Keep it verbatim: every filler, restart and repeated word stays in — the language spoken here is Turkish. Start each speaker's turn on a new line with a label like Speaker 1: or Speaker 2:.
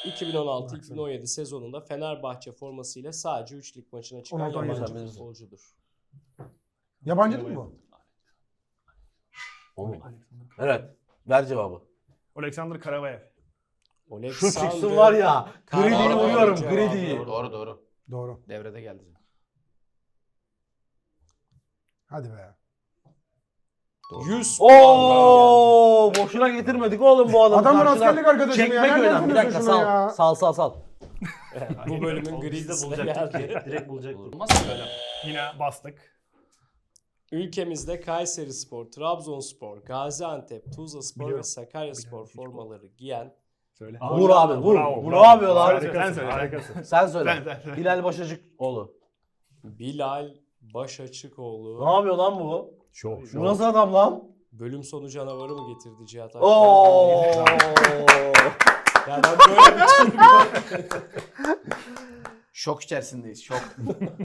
Speaker 1: iki bin on altı iki bin on yedi sezonunda Fenerbahçe formasıyla sadece üç lig maçına çıkan
Speaker 2: on altı on yedi
Speaker 1: yabancı
Speaker 2: sen
Speaker 1: futbolcudur.
Speaker 2: Yabancı değil mi bu?
Speaker 3: O mu? Evet. Ver cevabı.
Speaker 4: Alexander Karavayev.
Speaker 3: Şu çıksın
Speaker 1: Alexander
Speaker 3: var ya. Gridi'yi
Speaker 1: Karavayev
Speaker 3: vuruyorum.
Speaker 1: cevabı.
Speaker 3: Gridi'yi.
Speaker 5: Doğru doğru.
Speaker 2: Doğru.
Speaker 5: Devrede geldi.
Speaker 2: Hadi be.
Speaker 1: yüz
Speaker 3: Oo, boşuna getirmedik oğlum bu adamı.
Speaker 2: Adamın
Speaker 3: karşıdan.
Speaker 2: askerlik arkadaşı mı ya?
Speaker 3: Çekmek
Speaker 2: Nereden
Speaker 3: önemli. Bir
Speaker 2: buluyorsun
Speaker 3: dakika
Speaker 2: şunu
Speaker 3: sal.
Speaker 2: ya?
Speaker 3: Sal sal sal.
Speaker 1: Bu bölümün
Speaker 6: O biz de
Speaker 1: gridisine
Speaker 6: bulacaktık
Speaker 1: geldi.
Speaker 6: ki. Direkt bulacaktık.
Speaker 5: Olmaz mı böyle?
Speaker 4: Yine bastık.
Speaker 1: Ülkemizde Kayserispor, Trabzonspor, Gaziantep, Tuzlaspor ve
Speaker 4: Biliyorum.
Speaker 1: Sakaryaspor formaları giyen
Speaker 4: Söyle.
Speaker 3: Vur abi vur.
Speaker 4: Bravo,
Speaker 3: Ne
Speaker 4: bravo.
Speaker 3: yapıyorlar?
Speaker 4: Harikasın, sen söyle. Harikasın.
Speaker 3: Sen söyle.
Speaker 4: Sen, sen, sen.
Speaker 3: Bilal Başacıkoğlu.
Speaker 1: Bilal Başaçıkoğlu
Speaker 3: Ne yapıyor lan bu?
Speaker 4: Şov,
Speaker 3: Bu nasıl adam lan?
Speaker 1: bölüm sonu canavarı mı getirdi Cihat Akbay?
Speaker 3: Oo.
Speaker 1: Ya ben böyle bir
Speaker 5: Şok içerisindeyiz. Şok.